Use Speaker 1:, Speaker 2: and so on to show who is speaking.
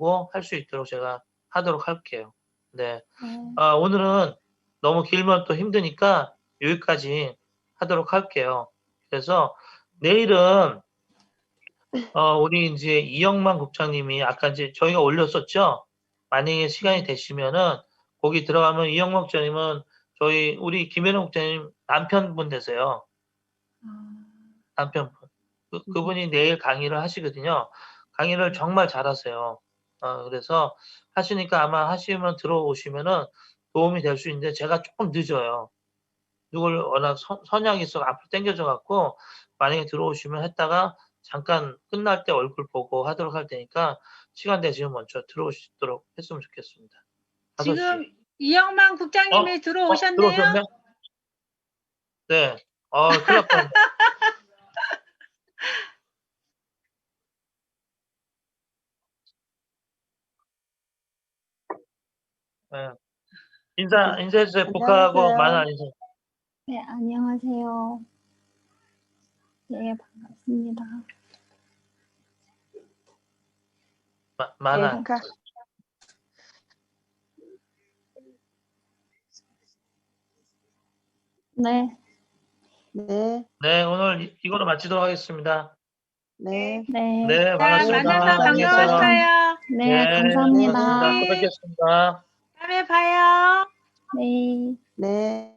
Speaker 1: 보고 할 수 있도록 제가 하도록 할게요. 네. 오늘은 너무 길면 또 힘드니까 여기까지 하도록 할게요. 그래서 내일은 우리 이제 이영만 국장님이 아까 이제 저희가 올렸었죠. 만약에 시간이 되시면은 거기 들어가면 이영만 국장님은 우리 김현우 국장님 남편분 되세요. 남편분. 그분이 내일 강의를 하시거든요. 강의를 정말 잘하세요. 그래서 하시니까 아마 하시면 들어오시면은 도움이 될 수 있는데 제가 조금 늦어요. 누굴 워낙 선약이 있어 앞으로 당겨져 갖고 만약에 들어오시면 했다가 잠깐 끝날 때 얼굴 보고 하도록 할 테니까 시간 되시면 먼저 들어오시도록 했으면 좋겠습니다.
Speaker 2: 지금 이영만 국장님이 들어오셨네요.
Speaker 1: 들어오셨네? 네. 큰일 날 뻔했네. 네. 인사해주세요. 북하고 만화 인사.
Speaker 3: 네, 안녕하세요. 네, 반갑습니다.
Speaker 1: 만화.
Speaker 3: 네.
Speaker 4: 네.
Speaker 1: 네, 오늘 이거로 마치도록 하겠습니다.
Speaker 4: 네.
Speaker 3: 네.
Speaker 1: 네, 반갑습니다.
Speaker 2: 만나서
Speaker 1: 안녕히 계세요.
Speaker 2: 반가웠어요.
Speaker 3: 네, 감사합니다.
Speaker 1: 또 뵙겠습니다.
Speaker 2: 다음에 봐요.
Speaker 3: 네.
Speaker 4: 네.